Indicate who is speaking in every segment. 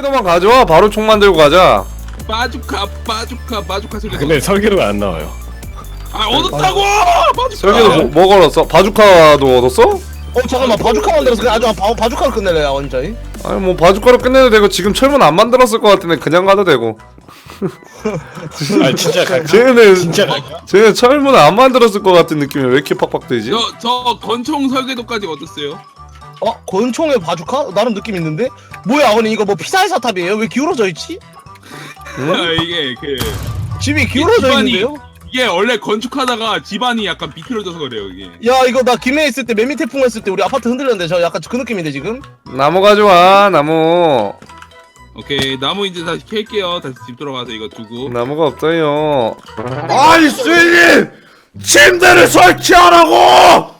Speaker 1: 설계도만 가져와. 바로 총 만들고 가자.
Speaker 2: 바주카 설계도.
Speaker 3: 근데 설계도가 안 나와요.
Speaker 2: 아 얻었다고!
Speaker 1: 설계도 뭐 걸었어? 바주카도 얻었어?
Speaker 4: 잠깐만 바주카 만들어서 그냥 아주 바주카로 끝낼래 완전히.
Speaker 1: 아니 뭐 바주카로 끝내도 되고 지금 철문 안 만들었을 것 같은데 그냥 가도 되고.
Speaker 3: 아 진짜 갈까?
Speaker 1: 쟤는
Speaker 3: 진짜 갈까?
Speaker 1: 쟤는 철문 안 만들었을 것 같은 느낌이 왜 이렇게 팍팍 되지?
Speaker 2: 저 건총 설계도까지 얻었어요.
Speaker 4: 권총의 바주카? 나름 느낌 있는데? 뭐야 아버님 이거 뭐 피사의 사탑이에요? 왜 기울어져 있지?
Speaker 2: 이게
Speaker 4: 집이 기울어져
Speaker 2: 집안이-
Speaker 4: 있는데요?
Speaker 2: 이게 원래 건축하다가 집안이 약간 비틀어져서 그래요 이게.
Speaker 4: 야 이거 나 김해에 있을 때 매미 태풍 했을 때 우리 아파트 흔들렸는데 저 약간 그 느낌인데 지금?
Speaker 1: 나무 가져와. 나무.
Speaker 2: 오케이 나무 이제 다시 캘게요. 다시 집 돌아가서 이거 두고.
Speaker 1: 나무가 없어요. 아니 수인님! 침대를 설치하라고!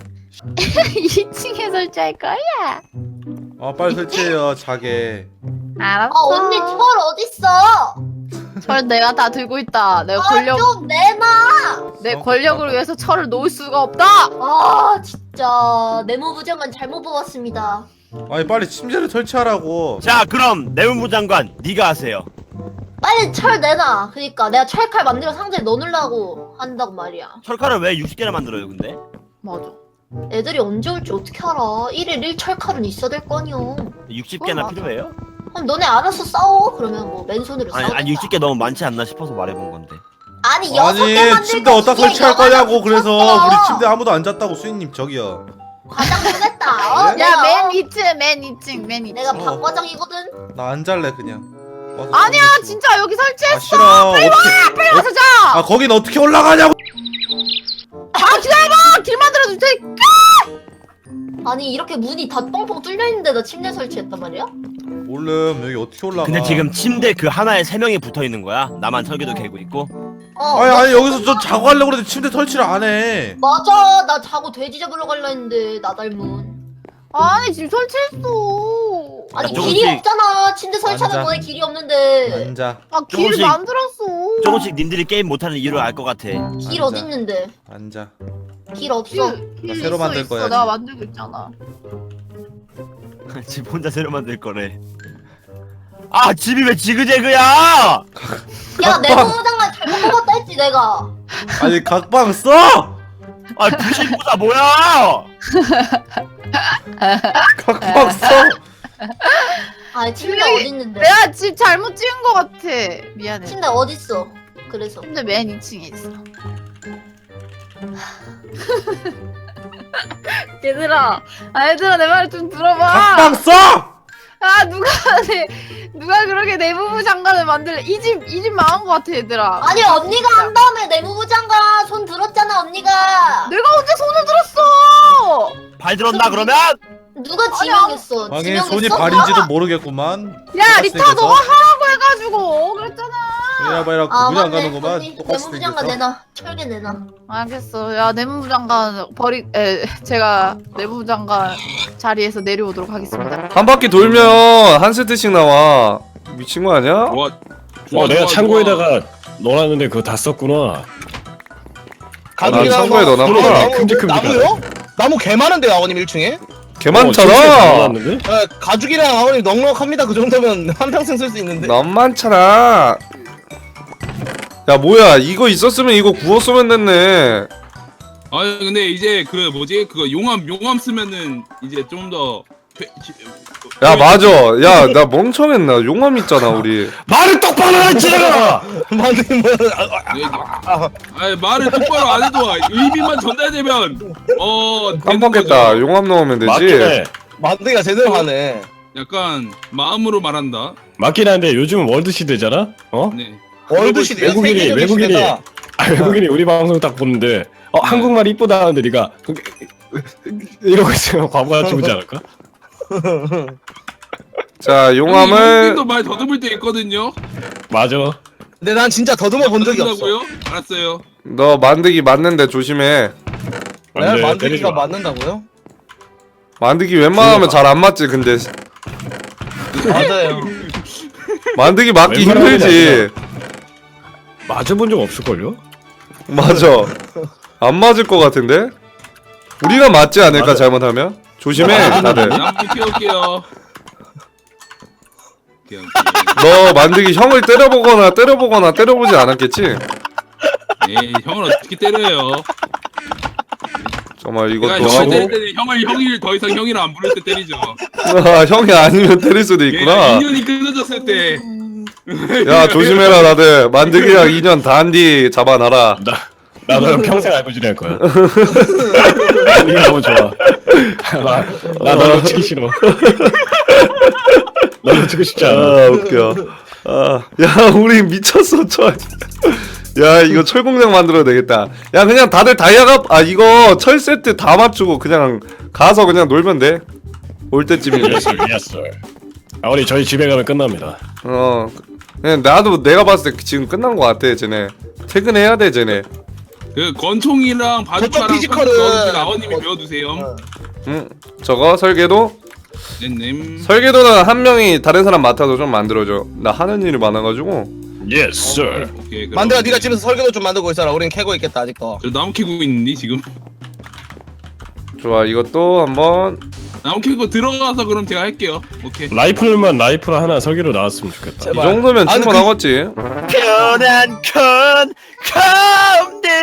Speaker 5: 2층에 설치할 거야.
Speaker 6: 빨리 설치해요 자게.
Speaker 5: 알았어.
Speaker 7: 언니 철 어딨어?
Speaker 5: 철 내가 다 들고 있다. 내가
Speaker 7: 좀 내놔!
Speaker 5: 내 권력을 위해서 철을 놓을 수가 없다.
Speaker 7: 진짜 내무부 장관 잘못 뽑았습니다.
Speaker 6: 아니 빨리 침대를 설치하라고.
Speaker 8: 자 그럼 내무부 장관 네가 하세요.
Speaker 7: 빨리 철 내놔. 그니까 내가 철칼 만들어 상자에 넣어놓으려고 한다고 말이야.
Speaker 8: 철칼을 왜 60개나 만들어요 근데?
Speaker 5: 맞아.
Speaker 7: 애들이 언제 올지 어떻게 알아. 1일 1철칼은 있어야 될 거니요.
Speaker 8: 60개나
Speaker 5: 맞아.
Speaker 8: 필요해요?
Speaker 7: 그럼 너네 알아서 싸워. 그러면 뭐 맨손으로 싸워.
Speaker 8: 아니 60개 너무 많지 않나 싶어서 말해본 건데.
Speaker 7: 아니 6개 만들
Speaker 6: 침대 어디다 설치할 거냐고. 그래서 우리 침대 아무도 안 잤다고 수인님 저기요.
Speaker 7: 과장 보냈다.
Speaker 6: 예?
Speaker 5: 야, 맨 2층, 맨 2층.
Speaker 7: 내가 박과장이거든.
Speaker 6: 나 안 잘래 그냥. 와서
Speaker 5: 아니야,
Speaker 6: 설치.
Speaker 5: 진짜 여기 설치했어.
Speaker 6: 싫어.
Speaker 5: 빨리 와서 자.
Speaker 6: 거긴 어떻게 올라가냐고.
Speaker 5: 기다려봐. 길 만들어줄 테니까.
Speaker 7: 아니 이렇게 문이 다 뻥뻥 뚫려 있는데 나 침대 설치했단 말이야?
Speaker 6: 몰름 여기 어떻게 올라가.
Speaker 8: 근데 지금 침대 그 하나에 3명이 붙어 있는 거야? 나만 설계도 개고 있고?
Speaker 6: 아니 여기서 저 자고 하려고 그랬는데 침대 설치를 안 해.
Speaker 7: 맞아. 나 자고 돼지 잡으러 갈라 했는데 나 닮은.
Speaker 5: 아니, 지금 설치했어.
Speaker 7: 아니
Speaker 8: 조금씩-
Speaker 7: 길이 없잖아. 침대 설치하는
Speaker 6: 앉아.
Speaker 7: 거에 길이 없는데.
Speaker 6: 앉아
Speaker 5: 아, 길을
Speaker 8: 조금씩-
Speaker 5: 만들었어.
Speaker 8: 조금씩 님들이 게임 못하는 이유를 알 것 같아.
Speaker 7: 길
Speaker 6: 앉아.
Speaker 7: 어디 있는데?
Speaker 6: 앉아.
Speaker 7: 길 없어.
Speaker 6: 나 새로 만들 거야,
Speaker 5: 내가
Speaker 6: 지금.
Speaker 5: 만들고 있잖아.
Speaker 8: 집 혼자 새로 만들 거래. 아 집이 왜 지그재그야!
Speaker 7: 야 내무부 장관 잘못 뽑았다 했지 내가.
Speaker 6: 아니 각방 써.
Speaker 8: 아 부실보다 뭐야!
Speaker 6: 각방 써.
Speaker 7: 아 침대
Speaker 5: 여기-
Speaker 7: 어디 있는데?
Speaker 5: 내가 집 잘못 찍은 것 같아. 미안해.
Speaker 7: 침대 어디 있어? 그래서
Speaker 5: 침대 맨 2층에 있어. 얘들아, 얘들아 내 말 좀 들어봐.
Speaker 6: 각방 써.
Speaker 5: 누가 그렇게 내무부 장관을 만들래? 이 집 망한 것 같아, 얘들아.
Speaker 7: 아니 언니가 한 다음에 내무부 장관 손 들었잖아 언니가.
Speaker 5: 내가 언제 손을 들었어?
Speaker 8: 발 들었나 그러면?
Speaker 7: 누가 지명했어?
Speaker 6: 방에 손이 발인지도 모르겠구만.
Speaker 5: 야, 리타 너가 하라고 해가지고 그랬잖아.
Speaker 6: 이래봐 이래봐
Speaker 7: 아
Speaker 6: 구분 안
Speaker 7: 맞네.
Speaker 6: 가는구만.
Speaker 7: 언니
Speaker 6: 똑같이
Speaker 7: 내무부 장관
Speaker 6: 생겼어.
Speaker 7: 내놔. 철개 내놔.
Speaker 5: 알겠어. 야, 내무부 장관 제가 내무부 장관 자리에서 내려오도록 하겠습니다.
Speaker 1: 한 바퀴 돌면 한 세트씩 나와. 미친 거 아니야?
Speaker 3: 내가 창고에다가 넣어놨는데 그거 다 썼구나.
Speaker 4: 가족이랑
Speaker 1: 창고에
Speaker 4: 뭐-
Speaker 1: 넣어놨구나.
Speaker 4: 나무,
Speaker 3: 큼직큼직하네.
Speaker 4: 나무요? 나무 개 많은데요 아버님 1층에?
Speaker 1: 개
Speaker 3: 침대에
Speaker 1: 많잖아.
Speaker 3: 넣어놨는데?
Speaker 4: 가죽이랑 아버님 넉넉합니다. 그 정도면 한평생 쓸 수 있는데.
Speaker 1: 너무 많잖아. 야 뭐야 이거 있었으면 이거 구웠으면 됐네.
Speaker 2: 아니 근데 이제 그 뭐지 그거 용암 쓰면은 이제 좀 더.
Speaker 1: 야 맞아. 야 나 멍청했나. 용암 있잖아 우리.
Speaker 3: 말을 똑바로 하지 내가!
Speaker 4: 만드는 뭐야?
Speaker 2: 아니 말을 똑바로 안 해도 의미만 전달되면
Speaker 1: 깜빡했다. 용암 넣으면 되지.
Speaker 3: 맞긴 해.
Speaker 4: 만드기가 제대로 하네.
Speaker 2: 약간 마음으로 말한다.
Speaker 3: 맞긴 한데 요즘은 월드 시대잖아? 어?
Speaker 2: 네.
Speaker 4: 월드 시대
Speaker 3: 외국인이 외국인이 우리 방송 딱 보는데 한국말이 이쁘다 하는데 니가 이러고 있으면 과부하 죽지 않을까?
Speaker 1: 자 용암을
Speaker 2: 도 말 더듬을 때 있거든요.
Speaker 3: 맞아.
Speaker 4: 근데 난 진짜 더듬어 본 적이 없어.
Speaker 2: 더듬는다고요? 알았어요.
Speaker 1: 너 만들기 맞는데 조심해.
Speaker 4: 내가
Speaker 3: 안 돼, 때리지
Speaker 4: 만드기가
Speaker 3: 마.
Speaker 4: 맞는다고요?
Speaker 1: 만들기 웬만하면 잘 안 맞지. 근데
Speaker 4: 맞아요.
Speaker 1: 만들기 맞기
Speaker 3: 웬만하면
Speaker 1: 힘들지.
Speaker 3: 맞아본 적 없을걸요?
Speaker 1: 맞아. 안 맞을 것 같은데? 우리가 맞지 않을까
Speaker 3: 맞아.
Speaker 1: 잘못하면? 조심해 다들.
Speaker 2: 나무 키울게요. 오케이.
Speaker 1: 너 만들기 형을 때려보거나 때려보지 않았겠지?
Speaker 2: 에이, 형을 어떻게 때려요?
Speaker 1: 정말
Speaker 2: 내가
Speaker 1: 이것도
Speaker 2: 형을 때릴
Speaker 1: 하고
Speaker 2: 때는 형을 더 이상 형이라 안 부를 때 때리죠.
Speaker 1: 아, 형이 아니면 때릴 수도 있구나.
Speaker 2: 인연이 끊어졌을 때.
Speaker 1: 야 조심해라 다들. 만들기랑 2년 단디 잡아놔라.
Speaker 3: 나 너랑 평생 알고 지낼 거야. 이게 너무 좋아. 나 놓치기 싫어. 너 놓치고 싶지 않아.
Speaker 1: 아 웃겨. 야 우리 미쳤어 철. 야 이거 철 공장 만들어야 되겠다. 야 그냥 다들 다이아가 이거 철 세트 다 맞추고 그냥 가서 그냥 놀면 돼. 올 때쯤이면.
Speaker 3: 예스. 아 우리 저희 집에 가면 끝납니다.
Speaker 1: 그냥 나도 내가 봤을 때 지금 끝난 거 같아 쟤네. 퇴근해야 돼 쟤네.
Speaker 2: 그 권총이랑 바둑카랑
Speaker 4: 피지컬은-
Speaker 2: 아버님이 배워두세요.
Speaker 1: 저거 설계도?
Speaker 2: 넷님.
Speaker 1: 설계도는 한 명이 다른 사람 맡아서 좀 만들어줘. 나 하는 일이 많아가지고.
Speaker 3: 예스.
Speaker 2: 오케이. 그럼
Speaker 4: 만들아 네가 집에서 설계도 좀 만들고 있어라. 우린 캐고 있겠다 아직도.
Speaker 2: 저 나무 캐고 있는데 지금.
Speaker 1: 좋아 이것도 한번.
Speaker 2: 나무 캐고 들어가서 그럼 제가 할게요. 오케이.
Speaker 3: 라이플 하나 설계로 나왔으면 좋겠다.
Speaker 1: 이 정도면
Speaker 4: 아니,
Speaker 1: 충분하겠지.
Speaker 8: 편한 컴대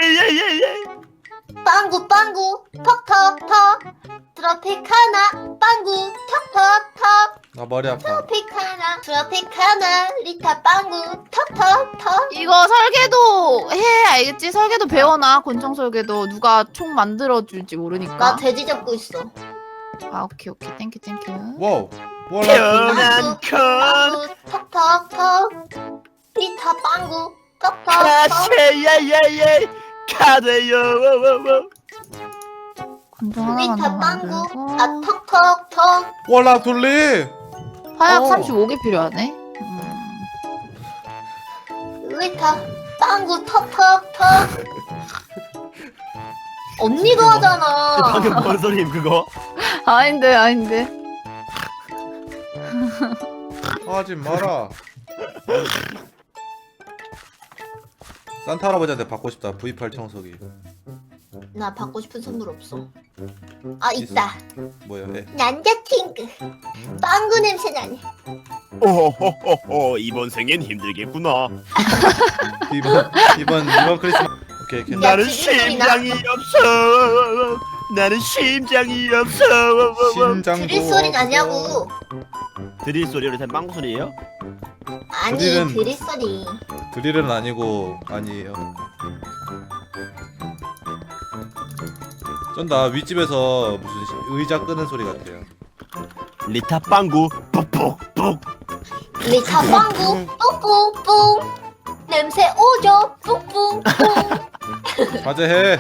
Speaker 7: 빵구 턱턱턱 트로피카나 빵구 턱턱턱
Speaker 6: 아 머리 아파.
Speaker 7: 트로피카나 리타 빵구 턱턱턱.
Speaker 5: 이거 설계도 해 알겠지? 설계도 배워놔. 권총 설계도 누가 총 만들어줄지 모르니까.
Speaker 7: 나 돼지 잡고 있어.
Speaker 5: 아 오케이 땡큐.
Speaker 6: 와우. 뭐라.
Speaker 8: 편한 컴
Speaker 7: 빵구 턱턱턱 리타 빵구 턱턱턱.
Speaker 8: 카세야야야 카드요
Speaker 5: 권총 하나만
Speaker 7: 리타
Speaker 5: 더
Speaker 7: 빵구
Speaker 5: 만들고.
Speaker 7: 아 턱턱턱.
Speaker 6: 월락 돌리.
Speaker 5: 화약
Speaker 6: 어.
Speaker 5: 35개 필요하네.
Speaker 7: 리타 빵구 턱턱턱. 언니도 하잖아.
Speaker 8: 방금 뭔 소리임 그거?
Speaker 5: 아닌데.
Speaker 6: 하지 마라. 산타 할아버지한테 받고 싶다. V8 청소기.
Speaker 7: 나 받고 싶은 선물 없어. 아 있다.
Speaker 6: 뭐야? 해.
Speaker 7: 남자친구. 빵구 냄새 나네.
Speaker 8: 오호호호호 이번 생엔 힘들겠구나.
Speaker 6: 이번 크리스마스. 오케이 괜찮.
Speaker 8: 나는
Speaker 7: 지금 소리 나?
Speaker 8: 심장이 없어. 나는 심장이 없어.
Speaker 6: 심장도.
Speaker 7: 드릴 소리 나냐고.
Speaker 8: 드릴 소리로 된 빵구 소리예요?
Speaker 7: 아니
Speaker 6: 드릴은-
Speaker 7: 드릴 소리.
Speaker 6: 드릴은 아니고 아니에요. 쩐다 윗집에서 무슨 의자 끄는 소리 같아요.
Speaker 8: 리타 빵구 뽁뽁뽁.
Speaker 7: 리타 빵구 뿡뿡뿡. 냄새 오죠 뿡뿡뿡.
Speaker 6: 자제해.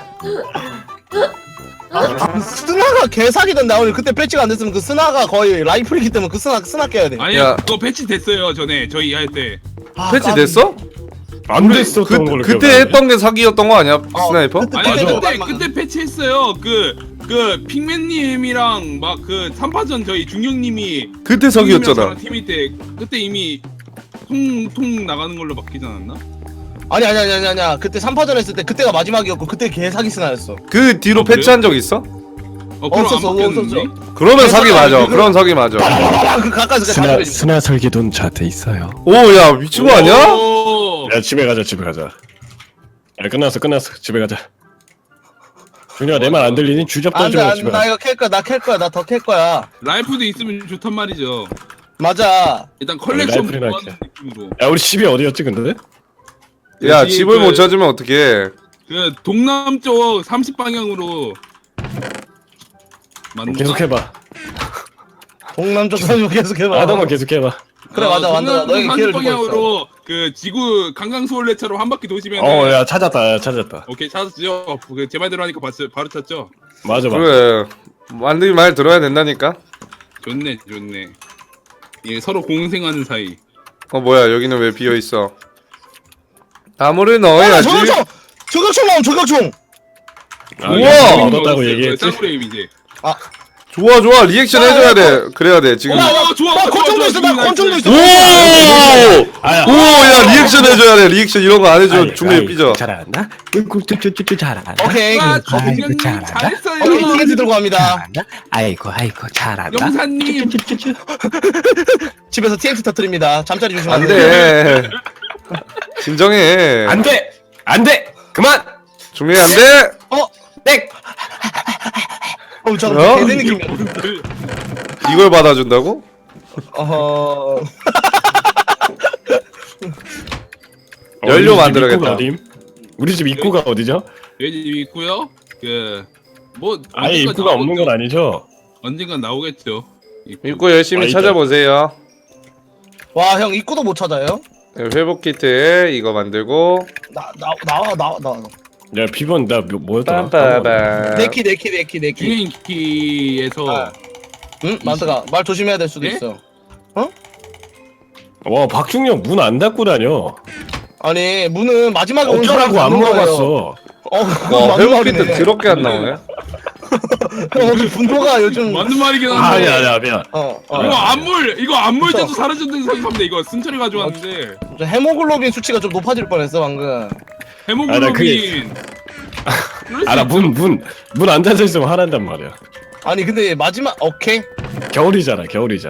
Speaker 4: 스나가 개사기던데 오늘 그때 배치가 안 됐으면 그 스나가 거의 라이플이기 때문에 그 스나 깨야 돼.
Speaker 2: 아니
Speaker 1: 야.
Speaker 2: 그거 패치 됐어요 전에 저희 할 때.
Speaker 1: 패치 됐어?
Speaker 3: 안 됐었던 걸로
Speaker 1: 그때
Speaker 3: 기억하는데?
Speaker 1: 했던 게 사기였던 거 아니야? 스나이퍼?
Speaker 2: 아니
Speaker 3: 맞아.
Speaker 2: 그때 패치했어요. 그 핑맨님이랑 막 그 3파전 저희 중령님이
Speaker 1: 그때 사기였잖아.
Speaker 2: 저랑 팀일 때 그때 이미 통 나가는 걸로 바뀌지 않았나?
Speaker 4: 아니야. 그때 3파전 했을 때 그때가 마지막이었고 그때 개사기 스나였어.
Speaker 1: 그 뒤로
Speaker 2: 아, 그래요?
Speaker 1: 패치한 적 있어?
Speaker 2: 그럼
Speaker 4: 없었어,
Speaker 2: 안 바뀌었는데?
Speaker 1: 그러면 사기 맞아. 그런 사기 맞아.
Speaker 4: 그 가까이서 다
Speaker 3: 스나 설계도는 저한테 있어요.
Speaker 1: 오야 미친 거 아니야?
Speaker 2: 오!
Speaker 3: 야 집에 가자. 야 끝났어. 집에 가자. 준이가 내 말 안 들리니 주접
Speaker 4: 안돼
Speaker 3: 던지고 집에
Speaker 4: 나
Speaker 3: 가자.
Speaker 4: 이거 캘 거야. 나 캘 거야. 나 더 캘 거야.
Speaker 2: 라이프도 있으면 좋단 말이죠.
Speaker 4: 맞아.
Speaker 2: 일단 컬렉션
Speaker 3: 라이프리나
Speaker 2: 모아놓은 느낌으로.
Speaker 3: 야 우리 집이 어디였지 근데?
Speaker 1: 야
Speaker 2: 여기
Speaker 1: 집을
Speaker 2: 그-
Speaker 1: 못 찾으면 어떡해.
Speaker 2: 그 동남쪽 30방향으로 맞나?
Speaker 3: 계속해봐.
Speaker 4: 동남쪽 사주 계속 해봐.
Speaker 3: 하다만 계속해봐.
Speaker 4: 그래 맞아 만들어. 너에게 기회를 주고 있어.
Speaker 2: 방향으로 그 지구 강강수월래처럼 한 바퀴 도시면
Speaker 3: 야 찾았다.
Speaker 2: 오케이 찾았죠. 제 말대로 하니까 바로 찾죠.
Speaker 3: 맞아.
Speaker 1: 그래 만들기 말 들어야 된다니까.
Speaker 2: 좋네. 예 서로 공생하는 사이.
Speaker 1: 뭐야 여기는 왜 비어있어. 나무를 넣어야지.
Speaker 4: 저격총 나옴 저격총.
Speaker 1: 우와!
Speaker 3: 얻었다고 얘기했지.
Speaker 2: 짱프레임 이제.
Speaker 1: 좋아 좋아 리액션 해줘야 돼. 그래야 돼 지금.
Speaker 2: 좋아.
Speaker 4: 나 권총도 있어. 나 권총도 있어.
Speaker 3: 아야.
Speaker 1: 오야 리액션 해줘야 돼. 리액션 이런 거 안 해주면 중간에
Speaker 3: 아이고,
Speaker 1: 삐져.
Speaker 3: 잘한다. 잘한다.
Speaker 4: 오케이.
Speaker 2: 아,
Speaker 3: 아이고,
Speaker 2: 중령님
Speaker 3: 잘한다.
Speaker 2: 잘했어요.
Speaker 4: 오케이, TNT 들고 갑니다.
Speaker 3: 잘한다. 아이고 잘한다.
Speaker 2: 영사님.
Speaker 4: 집에서 TNT 터뜨립니다. 잠자리 조심하세요.
Speaker 1: 안 돼. 진정해.
Speaker 3: 안돼. 그만.
Speaker 1: 중립 안 돼.
Speaker 3: 땡.
Speaker 4: 잠깐만.
Speaker 1: 어?
Speaker 4: 개된 느낌이야.
Speaker 1: 이걸 받아준다고?
Speaker 4: 어허.
Speaker 1: 연료
Speaker 3: 우리 집
Speaker 1: 만들어야겠다.
Speaker 3: 입구가 어딘? 우리 집 입구가 어디죠?
Speaker 2: 여기 있고요. 뭐
Speaker 3: 아예 입구가 없는 건 아니죠?
Speaker 2: 언젠간 나오겠죠.
Speaker 1: 입구 열심히
Speaker 3: 아, 있다.
Speaker 1: 찾아보세요.
Speaker 4: 와, 형 입구도 못 찾아요?
Speaker 1: 회복 키트 이거 만들고.
Speaker 4: 나와.
Speaker 3: 야 비번 나 뭐였더라?
Speaker 1: 빰빠밤.
Speaker 4: 내키.
Speaker 2: 주행키에서
Speaker 4: 응? 만드가 말 조심해야 될 수도
Speaker 2: 네?
Speaker 4: 있어.
Speaker 3: 와 박중영 문 안 닫고 다녀.
Speaker 4: 아니 문은 마지막에 온
Speaker 3: 어쩌라고
Speaker 4: 사람이
Speaker 3: 안
Speaker 4: 닫는 거예요.
Speaker 3: 물어봤어.
Speaker 1: 와 회복 키트 더럽게 안 나오네.
Speaker 4: 형 오늘 분노가 요즘
Speaker 2: 맞는 말이긴 한데.
Speaker 3: 아야 미안.
Speaker 2: 이거 안물 때도 사라졌다는 생각합니다. 이거 승철이 가져왔는데
Speaker 4: 저 헤모글로빈 수치가 좀 높아질 뻔했어 방금.
Speaker 2: 해모글로빈.
Speaker 3: 알아 문 안 닫혀 있으면 화난단 말이야.
Speaker 4: 아니 근데 마지막 오케이.
Speaker 3: 겨울이잖아.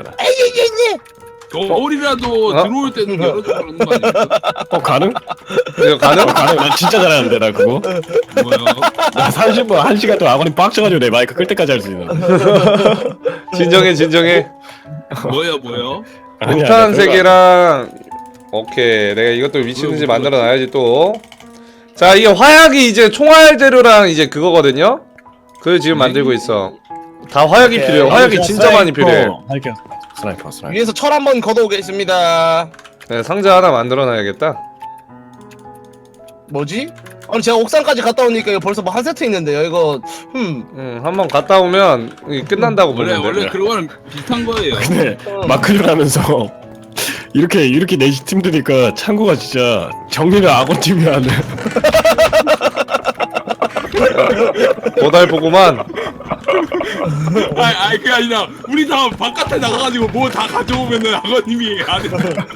Speaker 2: 겨울이라도
Speaker 1: 어?
Speaker 2: 들어올 때는 열어줘 그러는 거 아니야?
Speaker 3: 가능?
Speaker 1: 이거 가능?
Speaker 3: 가능. 나 진짜 잘하는데 나 그거.
Speaker 2: 뭐야?
Speaker 3: 나 30분 1시간 동안 아버님 빡쳐가지고 내 마이크 끌 때까지 할 수 있는.
Speaker 1: 진정해.
Speaker 2: 뭐요?
Speaker 1: 폭탄 3개랑 오케이 내가 이것도 미친듯이 만들어 놔야지 또. 자 이게 화약이 이제 총알 재료랑 이제 그거거든요. 그걸 지금 만들고 있어. 다 화약이
Speaker 4: 오케이.
Speaker 1: 필요해. 화약이 진짜 많이 필요해.
Speaker 3: 할게요. 스나이퍼.
Speaker 4: 위에서 철 한번 걷어오겠습니다.
Speaker 1: 네, 상자 하나 만들어 놔야겠다.
Speaker 4: 뭐지? 아니 제가 옥상까지 갔다 오니까 이거 벌써 뭐 한 세트 있는데요. 이거
Speaker 1: 한번 갔다 오면 이게 끝난다고
Speaker 2: 원래
Speaker 1: 보면 돼.
Speaker 2: 그거랑 비슷한 거예요.
Speaker 3: 근데 마크를 하면서 이렇게 넷이 팀드니까 창구가 진짜 정리를 악원 팀이 하네.
Speaker 1: 고달보구만.
Speaker 2: 아니 그게 아니라 우리 다 바깥에 나가가지고 뭐 다 가져오면은 아버님이 안에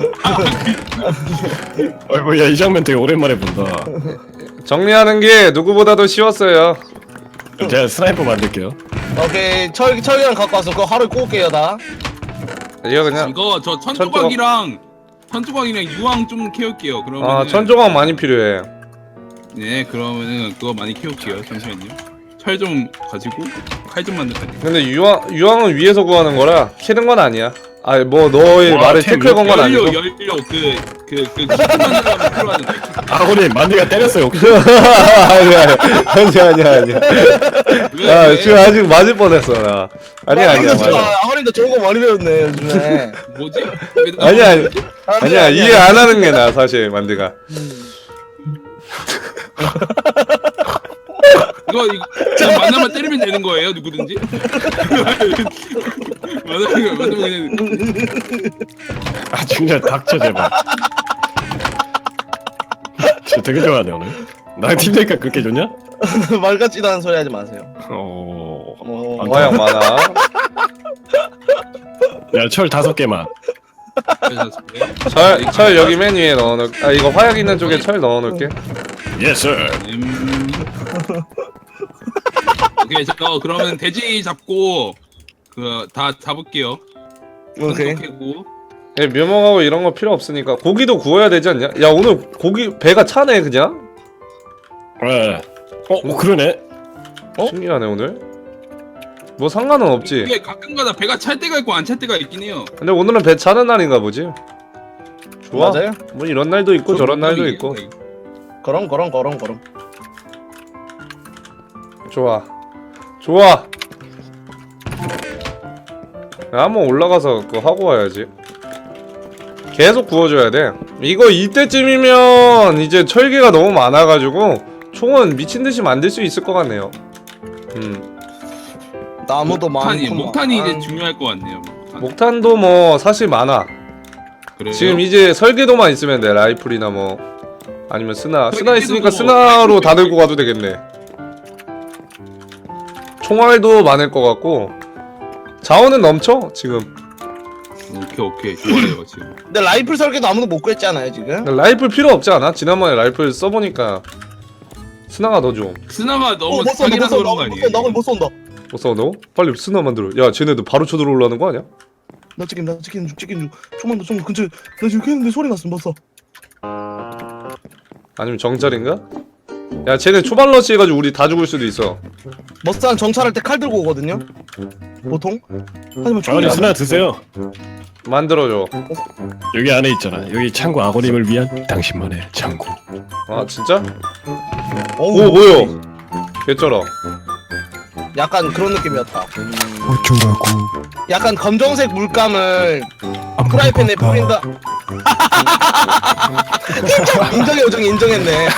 Speaker 3: 어이구 야이 장면 되게 오랜만에 본다.
Speaker 1: 정리하는 게 누구보다도 쉬웠어요.
Speaker 3: 제가 스나이퍼 만들게요.
Speaker 4: 오케이 철이랑 갖고 와서 그거 하루에 구울게요 다.
Speaker 1: 이거 그냥
Speaker 2: 이거 저 천조각이랑 유황 좀 키울게요. 그러면
Speaker 1: 천조각 많이 필요해.
Speaker 2: 네 그러면은 그거 많이 키울게요. 잠시만요. 철 좀 가지고 칼 좀 만들까요?
Speaker 1: 근데 유황은 위에서 구하는 거라 캐는 건 아니야. 아니 뭐 너의
Speaker 3: 와,
Speaker 1: 말에
Speaker 3: 템
Speaker 1: 태클 건 건 아니고.
Speaker 2: 연료 키트 만들려면 필요한
Speaker 3: 아버님 만디가 때렸어요.
Speaker 1: 아니야. 야 지금 아직 맞을 뻔했어 나. 아니야.
Speaker 4: 아버님도 좋은 거 많이 배웠네 요즘에.
Speaker 2: 뭐지?
Speaker 1: 아니야 이해 안 하는 게 나 사실 만드가.
Speaker 2: 이거 그냥 만나면 때리면 되는 거예요 누구든지? 만나면 그냥
Speaker 3: 아 진짜 닥쳐 제발. 진짜 되게 좋아하네 오늘. 나랑 팀되니까 그렇게 좋냐?
Speaker 4: 말 같지도 않은 소리 하지 마세요.
Speaker 1: 화약 많아.
Speaker 3: 야철 5개만.
Speaker 1: 철 여기 맨 위에 넣어놓을게. 아 이거 화약 있는 쪽에 철 넣어놓을게.
Speaker 3: 예스.
Speaker 2: 오케이 저 그러면 돼지 잡고 그 다 잡을게요.
Speaker 4: 오케이.
Speaker 2: 캐고.
Speaker 1: 예, 묘목하고 이런 거 필요 없으니까 고기도 구워야 되지 않냐? 야 오늘 고기 배가 차네 그냥.
Speaker 3: 네. 그러네.
Speaker 1: 신기하네 오늘. 뭐 상관은 없지.
Speaker 2: 이게 가끔가다 배가 찰 때가 있고 안 찰 때가 있긴 해요.
Speaker 1: 근데 오늘은 배 차는 날인가 보지. 좋아.
Speaker 4: 맞아요?
Speaker 1: 뭐 이런 날도 있고 저런 날도 있고.
Speaker 4: 그럼.
Speaker 1: 좋아. 야, 한번 올라가서 그거 하고 와야지. 계속 구워줘야 돼. 이거 이때쯤이면 이제 철기가 너무 많아가지고 총은 미친듯이 만들 수 있을 것 같네요.
Speaker 4: 나무도 많고.
Speaker 2: 목탄이 이제 중요할 것 같네요.
Speaker 1: 목탄도 뭐 사실 많아.
Speaker 2: 그래요?
Speaker 1: 지금 이제 설계도만 있으면 돼. 라이플이나 뭐 아니면 스나 있으니까
Speaker 2: 설계도도
Speaker 1: 스나로 다 들고 가도 되겠네. 총알도 많을 것 같고 자원은 넘쳐 지금.
Speaker 2: 오케이 좋아요 지금.
Speaker 4: 근데 라이플 설계도 아무도 못 구했잖아요 지금.
Speaker 1: 라이플 필요 없지 않아? 지난번에 라이플 써보니까 스나가 더 좀.
Speaker 2: 스나가 너무
Speaker 4: 못 쏜다 못
Speaker 2: 사기라서
Speaker 4: 쏜다
Speaker 2: 그런 거 아니에요?
Speaker 4: 못 쏜다.
Speaker 1: 못 싸운다고? 빨리 스나 만들어. 야 쟤네들 바로 쳐들어올라는 거 아니야?
Speaker 4: 나 찍힌 중 좀만 더 근처에 나 지금 했는데 소리 났어 못 써.
Speaker 1: 아니면 정찰인가? 야 쟤네 초반 러시 해가지고 우리 다 죽을 수도 있어.
Speaker 4: 머스한 정찰할 때 칼 들고 오거든요. 보통. 하지만 총이
Speaker 3: 아버님
Speaker 4: 안
Speaker 3: 스나 드세요.
Speaker 1: 만들어줘.
Speaker 3: 여기 안에 있잖아. 여기 창고 아버님을 위한 당신만의 창고.
Speaker 1: 아 진짜?
Speaker 4: 어우,
Speaker 1: 오 뭐요? 개쩔어.
Speaker 4: 약간 그런 느낌이었다.
Speaker 3: 어쩌라고.
Speaker 4: 약간 검정색 물감을 프라이팬에 뿌린다. 인정의 요정 인정했네.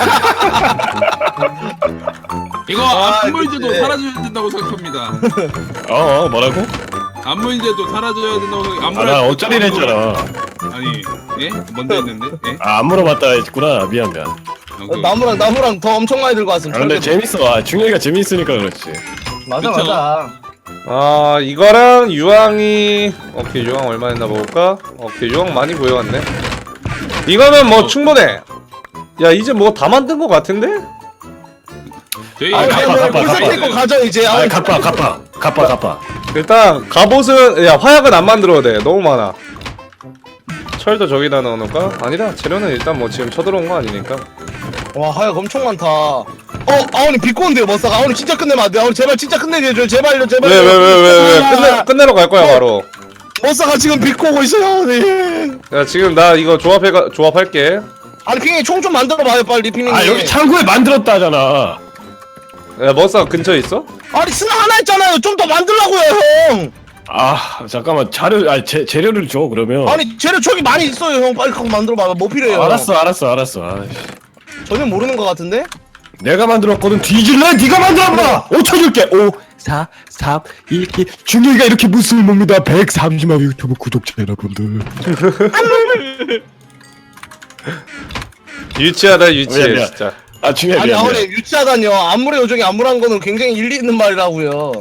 Speaker 2: 이거
Speaker 4: 아,
Speaker 2: 안물제도
Speaker 4: 그치.
Speaker 2: 사라져야 된다고 생각합니다.
Speaker 3: 뭐라고?
Speaker 2: 안물제도 사라져야 된다고 생각.
Speaker 3: 아, 나 어쩌리를 했잖아.
Speaker 2: 아니 예? 먼저 했는데 예?
Speaker 3: 안 물어봤다 했구나. 미안.
Speaker 2: 오케이.
Speaker 4: 나무랑 더 엄청 많이 들고 왔음.
Speaker 3: 근데 재밌어. 중요이가 재밌으니까 그렇지.
Speaker 4: 맞아
Speaker 2: 그쵸?
Speaker 4: 맞아.
Speaker 1: 아 이거랑 유황이 오케이 유황 얼마 했나 볼까? 오케이 유황 많이 보여왔네. 이거면 뭐 충분해. 야 이제 뭐 다 만든 거 같은데?
Speaker 2: 저희
Speaker 3: 아, 갚아.
Speaker 4: 불사 고 가져 이제.
Speaker 3: 아, 갚아.
Speaker 1: 일단 갑옷은 야 화약은 안 만들어도 돼. 너무 많아. 철도 저기다 넣어놓을까? 아니다 재료는 일단 뭐 지금 쳐들어온 거 아니니까.
Speaker 4: 와 하약 엄청 많다. 아오니 비꼬는데요 머싸가. 아오니 진짜 끝내면 안 돼. 아오니 제발 진짜 끝내게 해줘요. 제발요.
Speaker 1: 왜 끝내러 갈 거야 바로.
Speaker 4: 머싸가 지금 비꼬고 있어요 아오니.
Speaker 1: 야 지금 나 이거 조합할게.
Speaker 4: 아니 핑이 총 좀 만들어봐요 빨리 핑이.
Speaker 3: 아, 여기 창고에 만들었다잖아.
Speaker 1: 야 머싸 근처에 있어?
Speaker 4: 아니 스나 하나 있잖아요. 좀 더 만들라고요 형.
Speaker 3: 아, 잠깐만. 재료를 줘 그러면.
Speaker 4: 아니 재료 저기 많이 있어요 형. 빨리 갖고 만들어봐. 뭐 필요해요?
Speaker 3: 알았어. 아이씨.
Speaker 4: 전혀 모르는 것 같은데?
Speaker 3: 내가 만들었거든. 뒤질래? 네가 만들어봐. 5초 줄게. 5, 4, 3, 2, 1. 중요이가 이렇게 무술 봅니다. 130만 유튜브 구독자 여러분들.
Speaker 1: 유치하다 유치해
Speaker 3: 미안.
Speaker 1: 진짜.
Speaker 3: 아, 중요해.
Speaker 4: 아니
Speaker 3: 미안.
Speaker 4: 아오니 유치하다뇨. 안물의 요정이 안물한 거는 굉장히 일리 있는 말이라고요.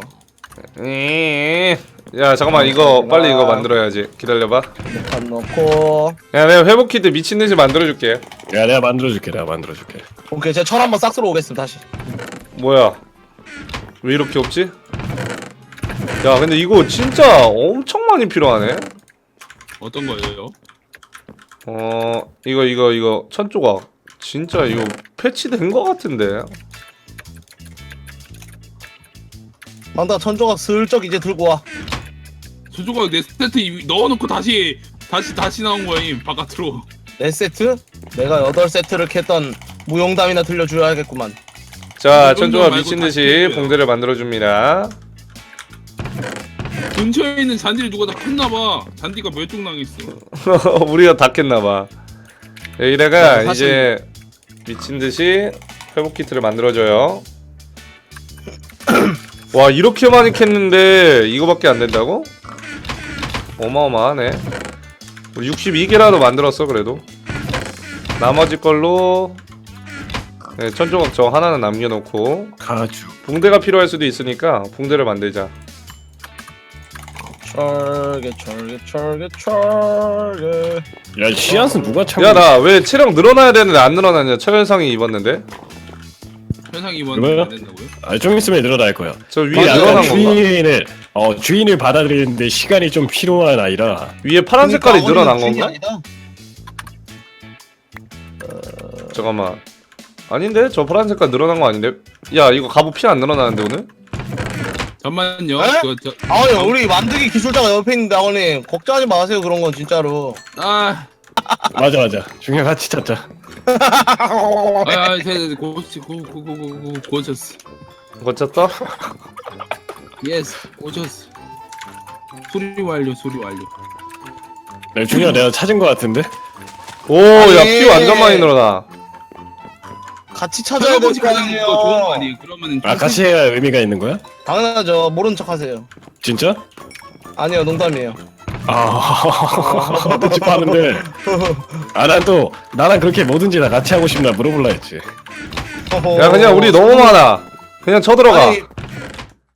Speaker 1: 야 잠깐만 이거 빨리 이거 만들어야지. 기다려봐.
Speaker 4: 안 넣고.
Speaker 1: 야 내가 회복 키트 미친듯이 만들어줄게.
Speaker 3: 야, 내가 만들어줄게.
Speaker 4: 오케이 제가 철 한번 싹 쓸어 오겠습니다 다시.
Speaker 1: 뭐야 왜 이렇게 없지? 야 근데 이거 진짜 엄청 많이 필요하네.
Speaker 2: 어떤 거예요?
Speaker 1: 이거 천조각 진짜 이거 패치된 거 같은데.
Speaker 4: 만다 천조각 슬쩍 이제 들고 와.
Speaker 2: 수조가 내 세트 넣어놓고 다시 나온 거임 바깥으로.
Speaker 4: 네 세트? 내가 8세트를 캤던 무용담이나 들려줘야겠구만.
Speaker 1: 자
Speaker 2: 이건
Speaker 1: 천조각
Speaker 2: 말고
Speaker 1: 미친듯이
Speaker 2: 다 필요해요.
Speaker 1: 봉대를 만들어줍니다.
Speaker 2: 근처에 있는 잔디를 누가 다 폈나봐. 잔디가 멸종당했어.
Speaker 1: 우리가 다 깼나봐. 여기다가
Speaker 4: 사실-
Speaker 1: 이제 미친듯이 회복 키트를 만들어줘요. 와 이렇게 많이 캤는데 이거밖에 안 된다고? 어마어마하네. 우리 62개라도 만들었어 그래도. 나머지 걸로 네, 천조각 저 하나는 남겨놓고
Speaker 3: 가주.
Speaker 1: 붕대가 필요할 수도 있으니까 붕대를 만들자.
Speaker 4: 철개.
Speaker 3: 야, 씨앗은 누가 창고?
Speaker 1: 야 나 왜 체력 늘어나야 되는데 안 늘어나냐. 최현상이 입었는데
Speaker 2: 현상 입원
Speaker 3: 그래요?
Speaker 2: 안 된다고요?
Speaker 3: 아, 좀 있으면 늘어날 거야.
Speaker 1: 저 위에
Speaker 3: 그게
Speaker 1: 늘어난
Speaker 3: 약간
Speaker 1: 건가?
Speaker 3: 주인을 받아들이는데 시간이 좀 필요한 아이라.
Speaker 1: 위에 파란 색깔이 늘어난
Speaker 4: 아버님
Speaker 1: 건가?
Speaker 4: 아니다.
Speaker 1: 잠깐만. 아닌데? 저 파란 색깔 늘어난 거 아닌데? 야 이거 갑옷 피 안 늘어나는데 오늘?
Speaker 2: 잠만요.
Speaker 4: 에? 아버님
Speaker 2: 어?
Speaker 4: 우리 만들기 기술자가 옆에 있는데 아버님 걱정하지 마세요 그런 건 진짜로.
Speaker 3: 맞아. 중요 같이 찾자.
Speaker 2: 고쳤어.
Speaker 1: 고쳤어?
Speaker 2: 예스, 고쳤어. 수리 완료.
Speaker 3: 네, 중요 내가 찾은 거 같은데.
Speaker 1: 오, 야,
Speaker 4: 아니.
Speaker 1: 피 완전 많이 늘어나.
Speaker 4: 같이 찾아야 될
Speaker 2: 찾아보지
Speaker 4: 거
Speaker 2: 가장
Speaker 4: 아니에요.
Speaker 2: 거 좋은 거 아니에요? 그러면은
Speaker 3: 아, 같이 해야 의미가 있는 거야?
Speaker 4: 당연하죠. 모른 척 하세요.
Speaker 3: 진짜?
Speaker 4: 아니요 농담이에요.
Speaker 3: 아, 어떻게 하는데? 아, 난 또 나랑 그렇게 뭐든지 다 같이 하고 싶나 물어볼라 했지.
Speaker 1: 야, 그냥 우리 너무 많아. 그냥 쳐들어가.
Speaker 4: 아니